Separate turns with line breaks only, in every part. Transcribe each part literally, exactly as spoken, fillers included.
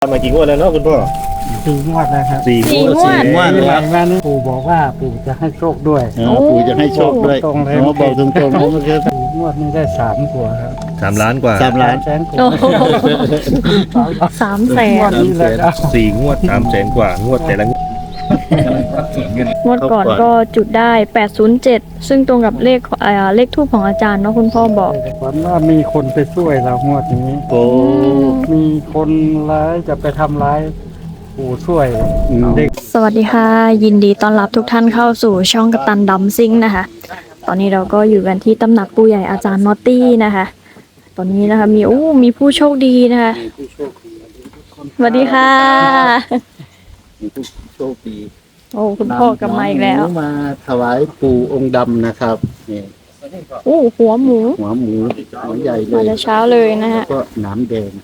มากี่งวดแล้วเนาะคุณพ่อ
สี่งวดแล้วครับ
สี่งวด
สี่งวด
ปีใหม่มานี่ปู่บอกว่าปู่จะให้โชคด้วย
อ๋อปู่จะให้โชคด้วย
ตรงเลย
อ๋อบอกตรงๆนะเมื่อกี้
สี่งวดนี้ได้สามกว่าครับ
สามล้านกว่า
สามล้าน
แสนกว่า
โอ้โหสามแส
งวน ดนี้เลยครับ
สี่งวดสามแสนกว่างวดแต่ละงวด
งวดก่อนก็จุดได้แปดศูนย์เจ็ดซึ่งตรงกับเลขเอ่อเลขทูปของอาจารย์เนาะคุณพ่อบอก
ฝันว่ามีคนไปช่วยเรางวดนี้
โอ้
มีคนร้ายจะไปทำร้ายปู่ช่วย
อืม
เด็ก
สวัสดีค่ะ ยินดีต้อนรับทุกท่านเข้าสู่ช่องกัปตันดัมซิงนะคะ ตอนนี้เราก็อยู่กันที่ตำหนักปู่ใหญ่อาจารย์นอตตี้นะคะ ตอนนี้นะคะมีโอ้มีผู้โชคดีนะคะสวัสดีค่ะ
มีผู้โชคดี
โอ้คุณพ่อกลับมาอีกแล้ว
น้งหมาถวายปู่องค์ดำนะครับนี่
โอ้หัวหมู
หัวหมูหัวใหญ่เล
มาย แต่เช้าเลยนะฮะ
ก็หน้ำแดง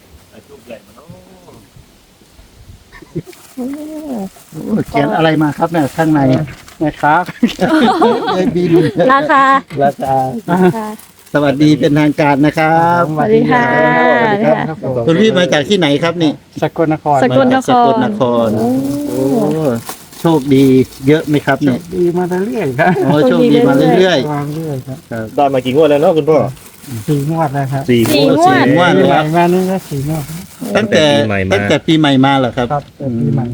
โอ้เขียนอะไรมาครับเนี่ยข้างใน
นะครับ
เลยบิน
ราคา
ราคา
ค่ะ
สวัสดีเป็นทางการนะครับ
สวัสดีค่ะ
สวัสดีครับ คุณพี่มาจากที่ไหนครับนี่
สกลนคร
สกลนคร
สกลนครโอ้โชคดีเยอะไหมครับเนี่ย
ดีมาเรื่อยๆครับ
โอ้โชคดีมาเรื่อย
วางเรื่อยครับ
ได้มากี่งวดแล้วเนาะคุณพ่อ
สี่งวดแล้วครับ
สี่
สี่
งวด
งวด
ๆว่า
ปีให
แล้
ม่
ว
มานี่ก็สี่งวด
ตั้งแต่
ปีใหม่มา
ตั้งแต่ปีใหม่มาเหรอครับ
ครับแต่ปีใหม่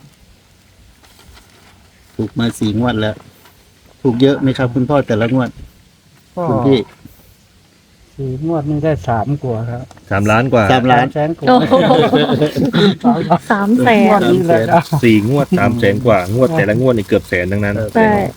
ถูกมาสี่งวดแล้ว ถูกเยอะไหมครับ คุณพ่อแต่ละงวด
ก็
คุณพี่
สี่งวดนี้ได้สามกว่าครับ
สามล้านกว่า
สามล้าน
แสนกว่า
โอ้โหสามแส
งวน ดนี้เลยครับ
สี่งวดสามแสนกว่างวดแต่ละงวดนี่เกือบแสนทั้งนั้น
ใช่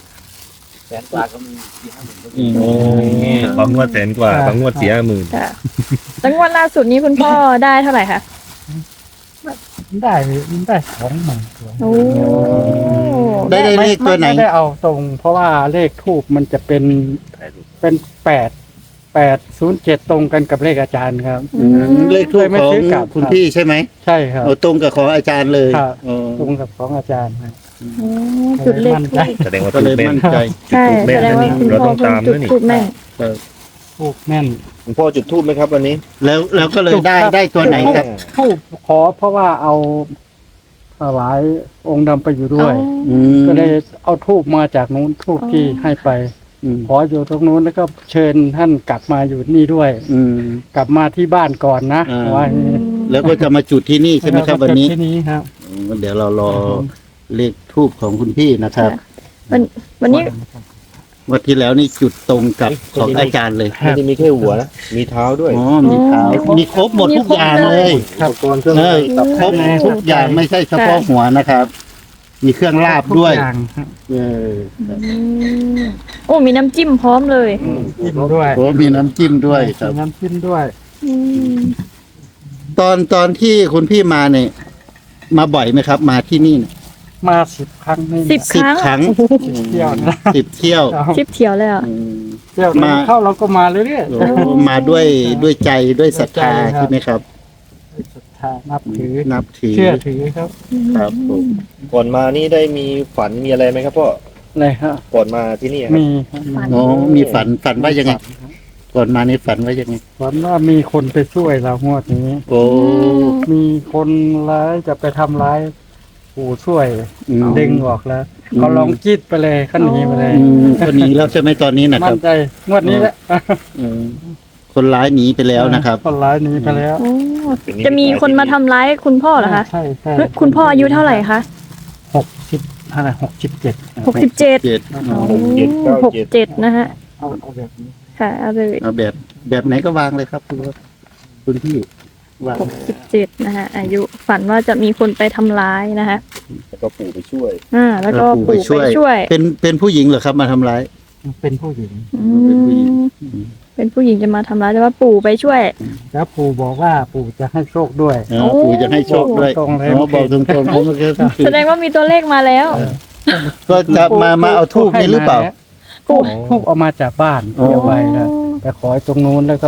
อืม
โอ้บางงวดแสนกว่าบางงวดเสียหมื่น
ค่ะแล้วงวดล่าสุดนี้คุณพ่อได้เท่าไหร่คะ
ได้ได้สองหมื่นกว่า
โอ้
ได้ได้เลขตัวไหน
ม่ได้เอาตรง เพราะว่าเลขทูบมันจะเป็นเป็นแปดแปดศูนย์เจ็ดตรงกันกับเลขอาจารย์ครับ
อืมเลขทูป
เลยไม่
ของ
ซื้อกลับ
คุณพี่ใช่ไหม
ใช่ครับ
เอาตรงกับของอาจารย์เลย
ครับ
อ๋อ
ตรงกับของอาจารย์ครับ
โอ้จุดเลข
มั่น
ทู
ใจ
บ
แสดงว่า
ก็
ถู
เล
ก
ย
แม่น
มั่นใจ
ใช่
แม่น
แสดงว่า
นะนี่
คุณ
เรา
พ่อ
ต้อง
เพิ่
ตาม
งจุด
ด้วยนี่
ทูบแม่น
ทูบแม่น
คุณพ่อจุดทูบไหมครับวันนี้
แล้วแล้วก็เลยได้ได้ตัวไหนครับ
ทูบขอเพราะว่าเอาถวายองค์ดำไปอยู่ด้วย
อืม
ก็เลยเอาทูบมาจากนู้นทูบที่ให้ไป
อืม
ขออยู่ตรงนู้นแล้วก็เชิญท่านกลับมาอยู่นี่ด้วย
อืม
กลับมาที่บ้านก่อนนะ
อ่า
ว่าอย่างนี้
แล้วก็จะมาจุดที่นี่ใช่ไหมครับวันนี้
ที่นี้ครับ
อืมเดี๋ยวเรารอเลขทูบของคุณพี่นะครับ
วันวันนี้
วันที่แล้วนี่จุดตรงกับของอาจารย์เลย
ไม่ได้มีแค่หัวนะมีเท้าด้วย
อ๋อมีเท้ามีครบหมดทุกอย่างเลย
อุปกรณ์เครื่อง
เออ
ตับ
ครบทุกอย่างไม่ใช่เฉพาะหัวนะครับ มีเครื่องลาบด้วย
ทุกอย่างครับ
เออ
อืมโอ้มีน้ำจิ้มพร้อมเลย
จิ้มด้วย
โอ้มีน้ำจิ้มด้วยครับ
มีน้ำจิ้มด้วย
อืม
ตอนตอนที่คุณพี่มาเนี่ยมาบ่อยไหมครับ มาที่นี่เนี่ย
มาสิบครั้งนี่
สิบ
สิบ
ครั้ง
ครั้ง
เที่ยวนะ
สิบเที่ยว
ครับ
ชิปเที่ยวเลยอ่ะ
อืม
เที่ยว
มา
เข้าเราก็มาเรื่อย
โอ้มาด้วยด้วยใจด้วยศรัทธา
ด้วยใจครับ
ใช่ไหมครับ
ๆศรัทธานับถือ
นับถือ
เชื่อถือครับ
ครับผม
ก่อนมานี่ได้มีฝันมีอะไรไหมครับพ่อ
เลยครับ
ก่อนมาที่นี่ครับ
มีครับ
ฝัน
โอ้มีฝันฝันว่ายังไง ก่อนมาในฝันว่ายังไง
ฝันว่ามีคนไปช่วยเรางวดนี้
โอ้
มีคนร้ายจะไปทำร้ายปู่ช่วย
อืม
ดึงออกแล้ว
อืม
เขาลองจิตไปเลยเขาหนีไปเลย
อืมคนหนีแล้วใช่ไหมตอนนี้นะค
มั่
รั
น
บ
ใจงวดนี้แหละ
อืมคนร้ายหนีไปแล้วนะครับ
คนร้ายหนีไปแล้ว
โอ้จะมีคนมาทำร้ายคุณพ่อเหรอคะ
ใช่ใช่
เฮ้ยคุณพ่ออายุเท่าไหร่คะ
หกสิบอะไรหกสิบเจ็ด
หกสิบเจ็ด
เจ็ด
หกเจ็ดเก้า
หก
เจ็ด
เจ็ดนะฮะ
เอาเอาแบบนี้
ค่ะเอาเลย
เอาแบบแบบไหนก็วางเลยครับคุณคุณพี่วาง
หกสิบเจ็ดนะฮะอายุฝันว่าจะมีคนไปทำร้ายนะคะ
แล้วก็ปู่ไปช่วย
อ่าแล้วก็
ปู่
ปู่ไปช่วย
เป็นเป็นผู้หญิงเหรอครับมาทำร้าย
เป็นผู้หญิง
อื
เป็นผู้หญิง
มเป็นผู้หญิงจะมาทำร้ายแต่ว่าปู่ไปช่วย
แล้วปู่บอกว่าปู่จะให้โชคด้วย
อ๋อปู่จะให้โชคด้วย
ตรงๆเลย
อ๋อบอกตรงๆผมเมื่อกี้
แสดงว่ามีตัวเลขมาแล้ว
ก็จะมามาเอาทูบนี้หรือเปล่า
ปู่
ทูบเอามาจากบ้าน
อ๋อ
เดี๋ยวไปนะไปขอตรงนู้นแล้วก็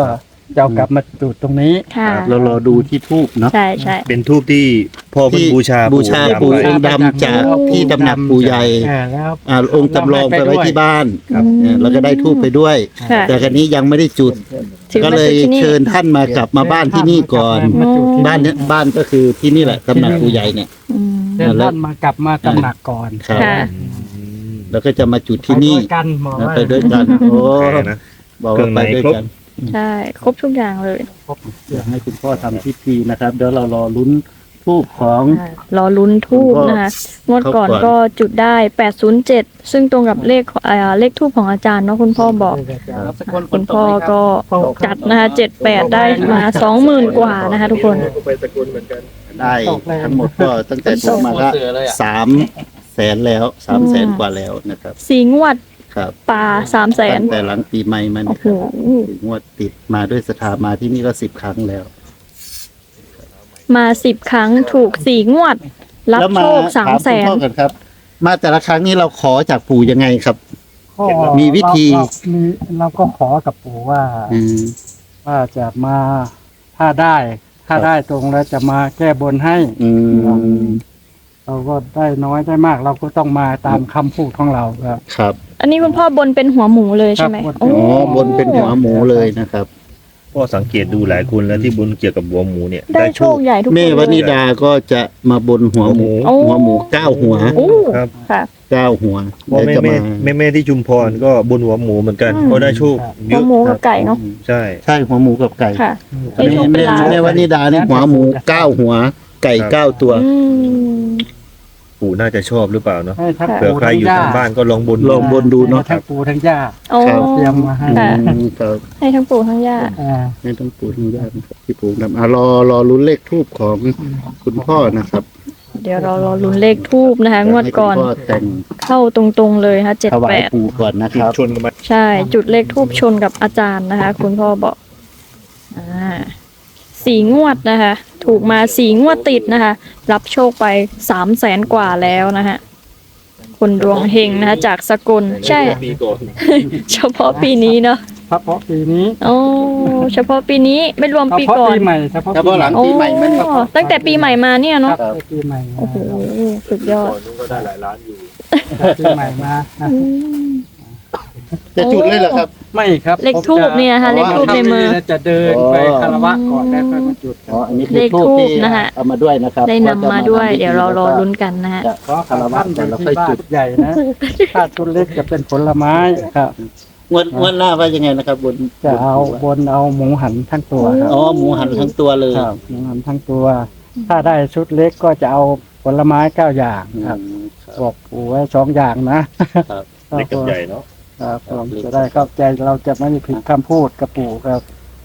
จะเอากลับมาจุดตรงนี้
ค่ะ
เรารอดูที่ทูบเนาะ
ใช่ใช่
เป็นทูบที่พ่อเพิ่งบูชา
บูชา
ดำ
ปู่
ไว้
องค์ดำจากที่ตำหนักปู่ใหญ่
อ่าแล้ว
อ่าองค์จำลองไปไว้ที่บ้าน
ครับ
เนี่ยเราก็ได้ทูบไปด้วย
ค่ะ
แต่ครั้นี้ยังไม่ได้จุด
ถือ
ก็
มา
เล
จุ
ย
ดที่นี่
เชิญท่านมากลับมาบ้านที่นี่ก่อน
มาจุดที่
บ้านเนี้ยบ้านก็คือที่นี่แหละตำหนักปู่ใหญ่เนี่ย
อืม
เดินท่านมากลับมาตำหนักก่อน
ครับ
ค่ะ
อืม
แล้วก็จะมาจุดที่นี่
ไปด้วยกันบอก
นะ
ว่า
ไปด้วยกันโอ้
แหมนะ
บอกว่าไปด้วยกัน
ใช่ ครบทุกอย่างเลย
เดี๋ยวให้คุณพ่อทำพิธีนะครับ เดี๋ยวเรารอลุ้นทูบของ
รอลุ้นทูบนะคะงวดก่อน
เขาก่อน
ก็จุดได้แปดศูนย์เจ็ดซึ่งตรงกับเลขเอ่อเลขทูบของอาจารย์เนาะคุณพ่อบอก คุณพ่อก็จัดนะคะเจ็ดแปดได้มาสองหมื่นกว่านะคะทุกคน
ไปสกุลเหมือนกัน
ได้ทั้งหมดก็ตั้งแต่ทูบมาก็สามแสนแล้วสามแสนกว่าแล้วนะครับ
สีงวด
ครับ
ปลาสามแสน
ตั้งแต่หลังปีใหม่มัน
โอ้โห
งวดติดมาด้วยสถามาที่นี่ก็สิบครั้งแล้ว
มาสิบครั้งถูกสี่งวด รับ
แล้ว
โชคสาม
ถ
แส
คุณ
น
พ่อกันครับ มาแต่ละครั้งนี้เราขอจากปู่ยังไงครับ
ก็
มีวิธี
เราเรามีเราก็ขอกับปู่ว่า
อืม
ว่าจะมาถ้าได้ ถ้าได้ตรงแล้วจะมาแก้บนให้
อืม
เราก็ได้น้อยได้มาก เราก็ต้องมาตามคำพูดของเราครับ
ครับ
อันนี้คุณพ่อบนเป็นหัวหมูเลยใช่ไหม
ครับบน
โอ้
อ๋อบนเป็นหัวหมูเลยนะครับ
พ่อสังเกตดูหลายคนแล้วที่บนเกี่ยวกับหัวหมูเนี่ย
ได้โชคใหญ่ทุกคน
แม่ว
เล
นิ
ย
ดาก็จะมาบนหัวหมู
โอ้
หัวหมูเก้าหัว
โอ้
ครับ
ค่ะ
เก้าหัว
พ่อแม่
เดี๋ยวจะ
แม่
มา
แม่แม่ที่ชุมพรก็บนหัวหมูเหมือนกัน
อืม
ก็ได้โชคเย
หัว
อะ
หมูกับไก่เนาะ
ใช่
ใช่หัวหมูกับไก่
ค่ะ
แม่
ได้โชคเป็น
แม่
ล้าน
แม่วนิดาเนี่ยหัวหมูเก้าหัว ไก่เก้าตัว
อืม
ปู่น่าจะชอบหรือเปล่าเนาะ
ให้ทั้ง
เผื่อใครอยู่ทางบ้านก็ลองบน
ลองบนดูเนาะ
ให้ทั้งปู่ทั้งย่า
โอ้
ครับ
เตรียมมาให้
ค่ะ
อืมครับ
ให้ทั้งปู่ทั้งย่า
อ่า
ไม่ต้องปูทั้งญาตินะครับที่ปูทำอ่ะรอรอลุ้นเลขทูบของคุณพ่อนะครับ
เดี๋ยวเรารอลุ้นเลขทูบนะคะ งวดก่อน
ให้คุณพ่อแต่ง
เข้าตรงๆเลยค่ะเจ็ด
ถวา
แป
ย
ด
ปู่ก่อนนะครับ
ชนกันมา
ใช่ จุดเลขทูบชนกับอาจารย์นะคะ คุณพ่อบอกอ่าสี่งวดนะคะ ถูกมาสี่งวดติดนะคะ รับโชคไปสามแสนกว่าแล้วนะคะคนดวงเฮงนะคะ จากสกลใช่
ปีก่อน
เฉพาะปีนี้เนาะ
เฉพาะปีนี้
โอ้เฉพาะปีนี้ไม่รวม
เฉ
ปี
พาะ
ก่อน
ปีใหม่เฉพาะ
เฉพาะหลัง
โอ้
ปีใหม่มันครับ
ตั้งแต่ปีใหม่มาเนี่ย
ครั
เนาะ
บปีใหม่มา
โอ้โหสุดยอด
ก่อนนู้นก็ได้หลายล้านอยู่
ปีใหม่มานะ
อืม
จะจุดเลยเหรอครับ
ไม่ครับ
เลขทูบเนี่ยนะคะ
อ๋อ
เลขทูบในมือ
จะเดินไปคารวะก่อนแล้วค่อยมาจุด
อ๋ออันนี้คือ
เลข
ทูบ
ธูป
ที่
นะฮะ
เอามาด้วยนะครับ
ได้นำมาด้วย เดี๋ยวเรารอลุ้นกันนะฮะ
จะ
เพราะ
คารวะ
ท่าน
แต่
เป็น
เราค่อย
ที่บ้า
จุ
น
ด
ใหญ่นะถ้าชุดเล็กจะเป็นผลไม้ครับ
งวดงวดหน้าว่ายังไงนะครับบน
จะเอาบนเอาหมูหันทั้งตัวครับ
อ๋อหมูหันทั้งตัวเลย
ครับหมูหันทั้งตัว ถ้าได้ชุดเล็กก็จะเอาผลไม้เก้าอย่างครับ
อืม
บอกปู่ไว้สองอย่างนะครับ
เล็กกับใหญ่เนาะ
ครับผมจะได้เข้าใจเราจะไม่ผิดคำพูดกับปู่ครับ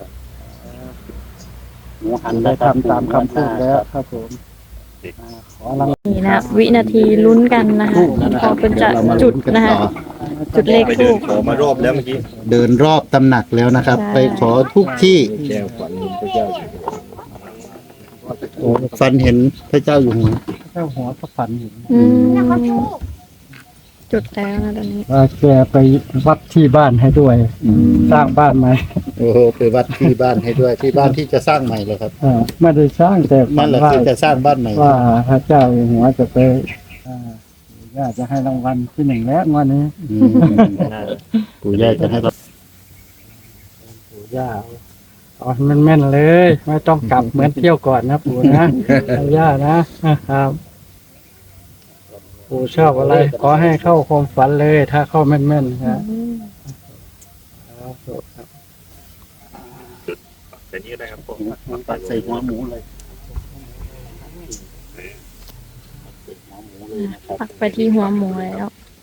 หมูหัน
ได้
นะครับ
ทำตามคำพูดแล้วครับผมอ่าขอรัง
นี่นะวินาทีลุ้นกันนะคะ
ทูบนะค
พ
รั
อบ เป็นจะ
เดี๋ยวเรามา
จุ
ลุ้
ด
นกัน
นะคะ
ต่อ
จุดเลข
ไป
ทู
เดิน
บ
ขอมารอบแล้วเมื่อกี้
เดินรอบตำหนักแล้วนะครับ
ใช่
ไปขอทุกที่
แก้วฝันพระเจ้าอยู่
โอ้ฟันเห็นพระเจ้าอยู่หัว
เจ้าหัวพระฝันหิน
อืมจุดแล้วนะตอนนี้
ว่าแกไปวัดที่บ้านให้ด้วย สร้างบ้านใหม่
โอ้โหไปวัดที่บ้านให้ด้วยที่บ้านที่จะสร้างใหม่เลยครับ
เออไม่ได้สร้างแต่ฝั
นั่น
น
แหละ
ว่า
คือจะสร้างบ้านใหม่
ว่าพระเจ้าอยู่หัวจะไปอ่าย่าจะให้รางวัลที่หนึ่งแล้วงวันนี้
อืมปู่ย่าจะให้เรา
ปู่ย่าเอาให้แม่นๆเลย ไม่ต้องกลับเหมือนเที่ยวก่อนนะปู่นะปู่ย่านะครับ ปู่ชอบอะไร ขอให้เข้าความฝันเลย ถ้าเข้าแม่นๆครับ
แต่นี่ได้ครับผม
ตัดใส่หัวหมูเลยหัวหมูเลยนะครับ
ปักไปที่หัวหมูแล้ว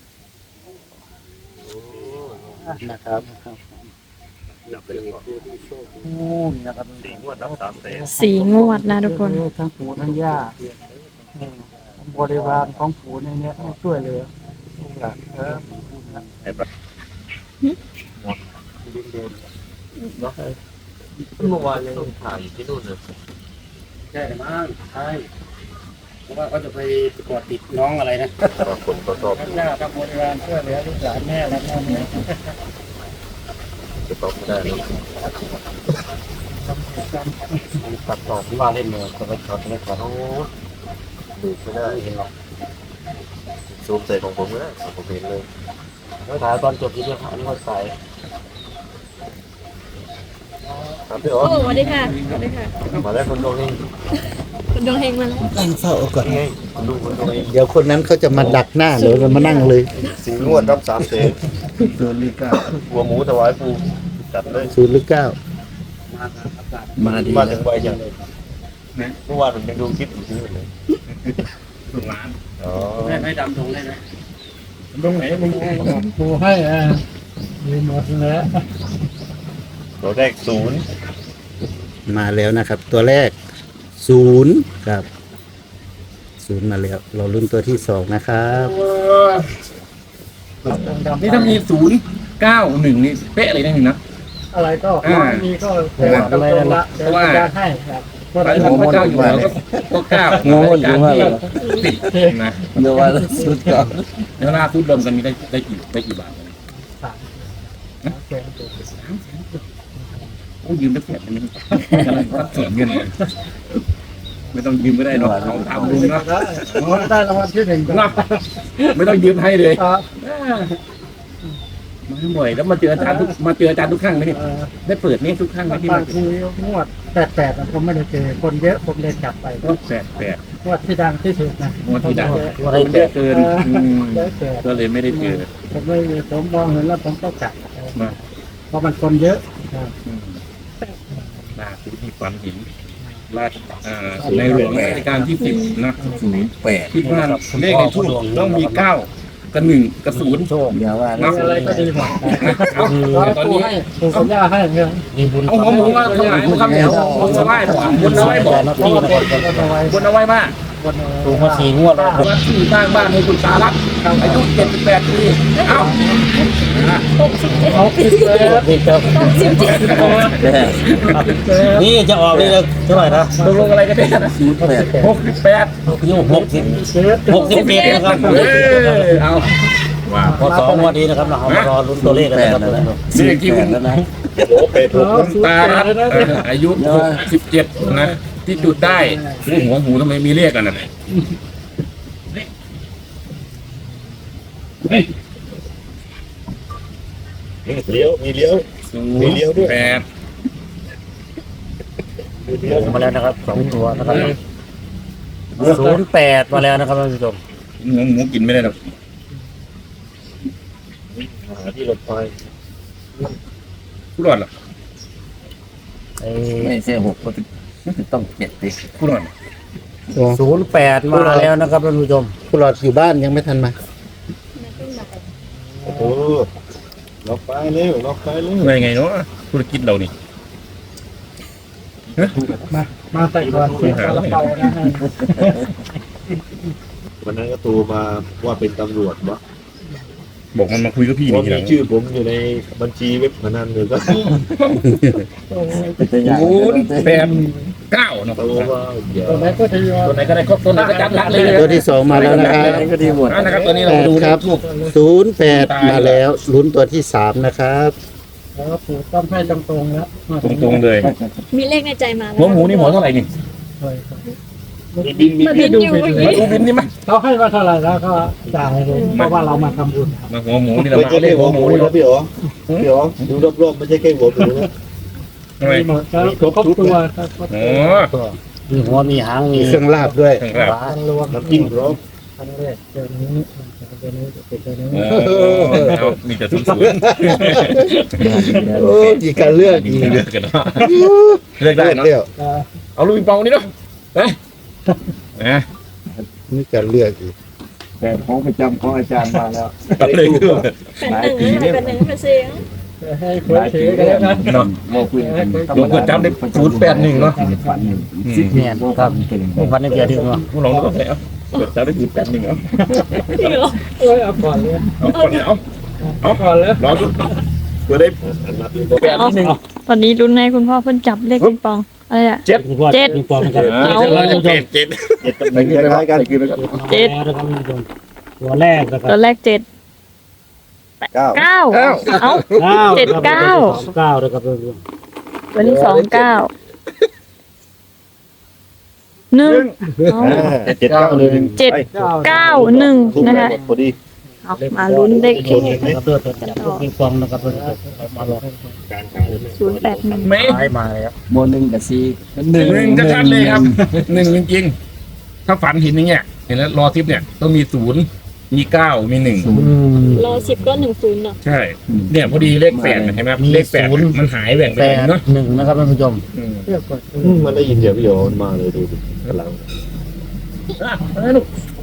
นะครับ
จับไปเลยก่อน
โอ้นี่นะครับ
สี่งวดรับสามแสน
สีงวดนะทุกคน
ทั้งปู่ทั้งย่าเออบริวารของปู่ในเนี้ยให้ช่วยเหลยลูกหลานเออ
ไอ้ปะ
เมื่อวานยังถ่ายอยู่ที่นู่นเลย
ใช่มั้งใช่เพราะว่าเขาจะไปกอดติดน้องอะไรนะ
บางคนก็ชอบ
ทั้งย่าทั้งบริวารช่วยเหลือลูกหลานแม่และพ่อแม่
จะตอบไม่ได้นะ
ตัดต่อที่ว่าเล่นเลยจะไปช็อตไม่ขอโทษดูไม่ได้เห็นหรอกซูมใส่ของผมเลยผมเห็นเลยแล้วถ่ายตอนจบที่เดียวอันนี้ก็ใส่ถามพี่อ๋อ
โอ้สวัสดีค่ะสวัสดีค่ะ
มาได้คนดวงเอง
คุณดวงเฮงมาแล้ว
ตั้งเฝ้าเอาก่อน
นี่ไงคนดูคนดวงเอง
เดี๋ยวคนนั้นเขาจะมาดักหน้าหรือจะมานั่งเลย
สิงห์งวดรับสามเสน
ศูนย์หรือเก้า
หัวหมูถวายปูจัดเลย
ศูนย์หรือเก้ามาดี
มา
แล้
ถึ
ว
งใบจังเลยเมื่อวานผมยังดูคลิปอยู่ที่เลย
ถูกร้าน
อ๋อ
ให้ดำตรงได้ไหม
ตรงไหนมึง
ปูให้อ่ะมีหมดแล้ว
ตัวแรกศูนย์
มาแล้วนะครับ ตัวแรกศูนย์ครับศูนย์มาแล้ว เราลุ้นตัวที่สองนะครับ
นี่ถ้ามีศูนย์เก้าหนึ่งนี่เป๊ะเลยนะหนึ่งนะ
อะไรก็
อ่า
มีก็เต็มตรงละเดี๋ยวจะให้ครับ
พระพระเจ้าอยู่หัวก็ก็เก้างงอยู่ว่าติดนะ
เดี๋ยวว่าสุดก่อน
แล้วล่าสุดรวมกันมีได้ได้กี่ได้กี่บาท
สามแสนตัว
โอ้ยืมได้แปดนึงกำลังตัดส่วนเงินไม่ต้องยืมก็ได้หรอกลองถามลุงนะ
ได้รางวัลที่หนึ่ง
นะไม่ต้องยืมให้เลย
ครับ
มาบ่อยแล้วมาเจออาจารย์ทุกมาเจออาจารย์ทุกครั้งไหมเนี่ย
เออ
ได้เปิดนี่ทุกครั้งไหมที่
บา
มา
งทีงวดแปดแปดผมไม่ได้เจอคนเยอะผมเลยจับไป
ก็แปดแปด
งวดที่ดังที่สุดนะ
งวดที่ดัง
คน
เยอะเกินอืม
เยอะเกิน
ก็เลยไม่ได้เจอ
ผมไม่ผมมองเห็นแล้วผมก็จับ
มา
เพราะมันคนเยอะครับ
อืมล่าสุดที่ฝันเห็นราชอ่าในหลวงรัชกาลที่สิบนะศูนย์แปดที่ว่าเลขในทูบต้องมีเก้ากับหนึ่งกับศูนย์
เดี๋ยวว่า
นะ
อะไรก็ดีหมด
เอาตอนนี้
ให้ปู่กับย่าให้เงิน
เอาหัวหมูมาถวายครับเดี๋ยวบนเอาไว้บอกบนเอาไว้บอก
เพราะว่าคนก็เอาไว้
บนเอาไว้ว่า
คน
ถูกมาสี่งวดแล้ว
วัดที่สร้างบ้านให้คุณตาลักอายุเจ็ดสิบแปดปีเอ้า
เอาผิดเลย
นี่ครับนี่จะออกนี่เท่าไหร่นะ
ตกลงอะไรกันเนี่ยนะหกสิบแปด
อายุหกสิบหกสิบเอ็ดนะครับ
เออเอาว่า
พอสองงวดนี้นะครับเรามารอลุ้นตัวเลขกันนะครับ
นี่ที่คุณ
โอ้เป็ดถูก
คุณตาลักอายุหกสิบเจ็ดนะที่จุดได้หัวหมูทำไมมีเลขกันน่ะ
เลี้ยวมีเลี้ยว
ศูนย์แปด
มาแล้วนะครับสองตัวนะครับศูนย์แปดมาแล้วนะครับท่านผู้ชม
หัวหมูกินไม่ได้หรอก
หาที่รถไฟ
ผู้รอดหรอ
ไม่ใช่หกก็ต้องเจ็ดดิ
ผู้รอด
ศูนย์แปดมาแล้วนะครับท่านผู้ชม
คุณหลอดอยู่บ้านยังไม่ทันมา
โอ้โหล็อกไปเร็วล็อกไปเร็ว
ไงไงเนาะธุรกิจเรานี่
มามาใส่ก่อนเสียงกระเป๋านะฮะ
วันนั้นก็โทรมาว่าเป็นตำรวจวะ
บอกมันมาคุยกับพี่
เพ
นี่
ราะ
ทีห
มี
ลัง
ชื่อผมอยู่ในบัญชีเว็บพนันเลยก็
ศูนย์แปดเก้าเนาะ
โทรว่าอย่า
ตัวไหนก็ดีว่า
ตัวไหนก็ได้ครบตัวไหนก็จัดละเลย
ตัวที่สองมาแล้วนะครับ
ก็ดีหมด
นะครับตัวนี้เรา
แปด
ดู
ครับศูนย์แปดมาแล้วลุ้นตัวที่สามนะครับ
แล้วปู่ต้องให้ตรงๆแล้ว
ตรงๆเลย
มีเลขในใจมาแล้ว
หัวหมูนี่หัวเท่าไหร่นี่
บินมี
ไม่ได้ดูผิดเล
มาย ดูบินนี่มั้ย
เขาให้มาเท่าไหร่แล้วก็จ่ายเลยเพราะว่าเรามาทำบุญ
มาหัวหมูนี่เรา
ไม่
มา
ใช่
เล
แค่
ข
หั
หั
ว
ว
ห
ห
มู
มูนี่
นะพี่อ๋อพี่อ๋อดูรอบๆไม่ใช่แค่หัวหมูนะ
ทำไม
มีหมดแล้วครบตัวครับ
โอ้
มีหัวมีหางมี
เครื่องลาบด้วย
ถึงแล้ว
ทางรวม
น้ำจิ้มพร้อม
ครั้งแรกเจอนี้เจอนี้เจอนี้
โอ้เอามีแต่ศูนย์ศูนย์
โอ้ยการเลือก
ดี
ดี
เลือกกันเนาะเลือกได้เนาะ
เดียว
เอาลูกปิงปองนี่เนาะไปนะ
นี่การเลือกอีก
แต่ของประจำของอาจารย์มาแล้ว
ตัดเลยคือ
เป็นหนึ่งเป็นหนึ่งเป็นเสียง
ให้คุยถือกันแล้วกัน
เนาะ
โมคุย
หลวงพ่อจำได้ศูนย์แปดหนึ่งเนาะ
ฝันสิบเนียนครับฝันในเกียร์ถึงเนาะ
ผู้ลองดูก็ได้เอาเกิดจำได้ศูนย์แปดหนึ่งเอา
จริงเหรอ
เอ้ยเอาก่อนเลย
เอาก่อนเอา
เอาก่อนเลย
รอดูเพื่อได้
แปดนิดนึงตอนนี้รุ่นให้คุณพ่อเพิ่นจับเลขปิงปองอะไรอะ
เจ็ด
เจ็ด
เจ็ดเจ็ด
เจ็ดตำแหน่งคล้ายๆกัน
เจ็ด
ตัวแรกนะครับ
ตัวแรกเจ็ด
เก้า
เก้าเอ้าเจ็ดเก้า
เก้านะครับ
วันที่สองเก้าหนึ่งเอา
เจ็ดเก้าหนึ่ง
เจ็ดเก้าหนึ่งนะคะ
พอดี
เอามาลุ้นเลขทูป
นะครับเลือดกันต่อปิงปองนะครับมาลอง
ศูนย์แปดหนึ่ง
ไม่
ท้ายมาแล้ว
โมหนึ่งกับสี่
หนึ่งจะชัดเลยครับหนึ่งจริงๆถ้าฝันเห็นอย่างเงี้ยเห็นแล้วรอทิปเนี่ยต้องมีศูนย์มีเก้ามีหนึ่ง
รอสิบก็หนึ่งศูนย์เนาะ
ใช่ เนี่ยพอดีเลขแปดเห็นไหมเลขแปดมันหายแบ่งไป
แป
ไหน
ด
เนาะ
หนึ่งนะครับท่านผู้ชม
อืม
มันได้ยินเสียงพี่โยนมาเลยดูดิกำลัง
อ่ะเอาลูก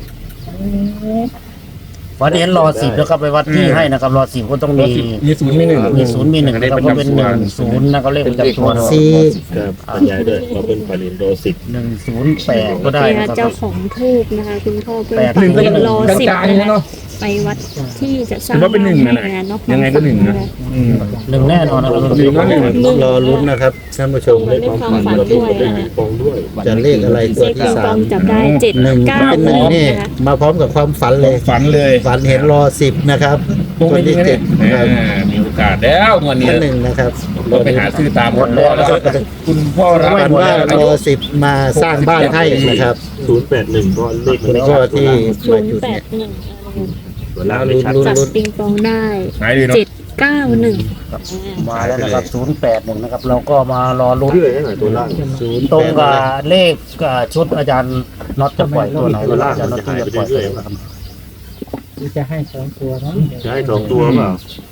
วันนี้รอสิบนะครับไปวัดที่ให้นะครับรอสิบก็ต้อง
รอ
มี
สิบมีศูนย์มีหนึ่ง
มีศูนย์มีหนึ่งนะครับก็เป็นหนึ่งศูนย์นะครับเลขประจำตัว
สี่ครับบรรยายด้วยเราเป็นปรินโดสิบ
หนึ่งศูนย์แปดก็ได้
นี่
นะ
ค่ะ
ครับ
เจ้าของทูบนะคะ คุณพ่อเพื่อน
แปด
ฝัน
หนึ่งก็
เห็
ยั
น
ง
รอสิบ
กลาง
นะ
ๆเนาะ
ไปวัดที่จะสร้าง
ถือว่าเป็นหนึ่งนะ
ให้เนาะ
ยังไงก็หนึ่งนะอืม
หนึ่งแน่นอนนะครับ
หนึ่งก็หนึ่ง
รอลุ้นนะครับท่านผู้ชม
เลขความฝันด้วยนะคะ
ปองด้วย
จะเลขอะไร
เล
ตัว
ข
ที่
ปิง
สา
ปอ
ม
งจับได้เจ็ด
หนึ่ง
เก้า
เป็นหนึ่งนี่
นะคะ
มาพร้อมกับความฝันเลย
ฝันเลย
ฝันเห็นรอสิบนะครับ
พวก
ตัว
นี้
ที่
เนี่
เจ็
ย
ดนะครับ
มีโอกาสแล้ววันนี้
ท่านหนึ่งนะครับ
เราไปหาซื้อตามหมดแล้วแล้วก็คุณพ่อรับ
ฝันว่ารอสิบมาสร้างบ้านให้นะครับ
ศูนย์แปดหนึ่งก็เลข
คุณพ่อที่
ศู
มาน
ย์
จุด
แป
เนี่ย
ดหนึ่ง
ตัวล่างไม่ชัด
จับปิงปองได้
หายเลยเนาะ
เจ็ดเก้าหนึ่ง
มาแล้วนะครับศูนย์แปดหนึ่งนะครับ เราก็มารอลุ้น
ชื่ออะไรตัวล่าง
ศูนย์ตรงกับเลขกับชุดอาจารย์น็อตจะปล่อยตัวไหนตัวล่างอาจารย์น็อตที่จะปล่อยตัวไหนนะครับ
จะให้สองตัวเนาะ
จะให้สองตัวเปล่า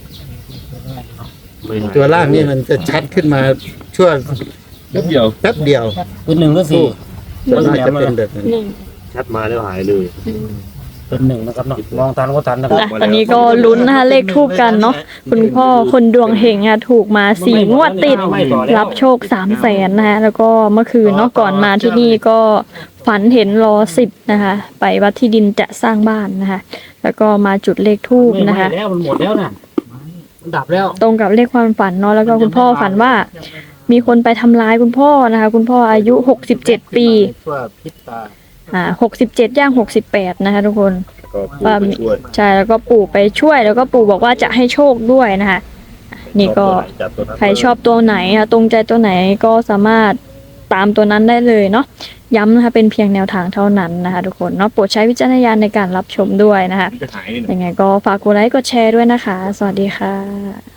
ไม่ให้
ตัวล่างนี่มันจะชัดขึ้นมาช่วง
แป๊บเดียว
แป๊บเดียว
เป็นหนึ่งก็สี่
ส่วนมากจะเป็นแบบนั้น
หนึ่ง
ชัดมาแล้วหายเลย
เป็นหนึ่งนะครับเนาะมองทันก็ทันนะครับ
นะตอนนี้ก็ลุ้นนะคะเลขทูบกันเนาะคุณพ่อคนดวงเฮงค่ะถูกมาสี่งวดติดรับโชคสามแสนนะคะแล้วก็เมื่อคืนเนาะก่อนมาที่นี่ก็ฝันเห็นรอสิบนะคะ ไปวัดที่ดินจะสร้างบ้านนะคะ แล้วก็มาจุดเลขทูบนะคะ
แล้วมันหมดแล้วนะมันดับแล้ว
ตรงกับเลขความฝันเนาะแล้วก็คุณพ่อฝันว่า มีคนไปทำร้ายคุณพ่อนะคะ คุณพ่ออายุหกสิบเจ็ดปี
ชั่วพิษตา
อ่าหกสิบเจ็ดย่างหกสิบแปดนะคะทุกคน
ก็พูดไปช่วย
ใช่แล้วก็ปู่ไปช่วยแล้วก็ปู่บอกว่าจะให้โชคด้วยนะคะนี่ก็
จับตัวนั้น
ใครชอบตัวไหนค่ะตรงใจตัวไหนก็สามารถตามตัวนั้นได้เลยเนาะย้ำนะคะเป็นเพียงแนวทางเท่านั้นนะคะทุกคนเนาะโปรดใช้วิจารณญาณในการรับชมด้วยนะคะ
จะหายเลย
ยังไงก็ฝากกดไลค์กดแชร์ด้วยนะคะ สวัสดีค่ะ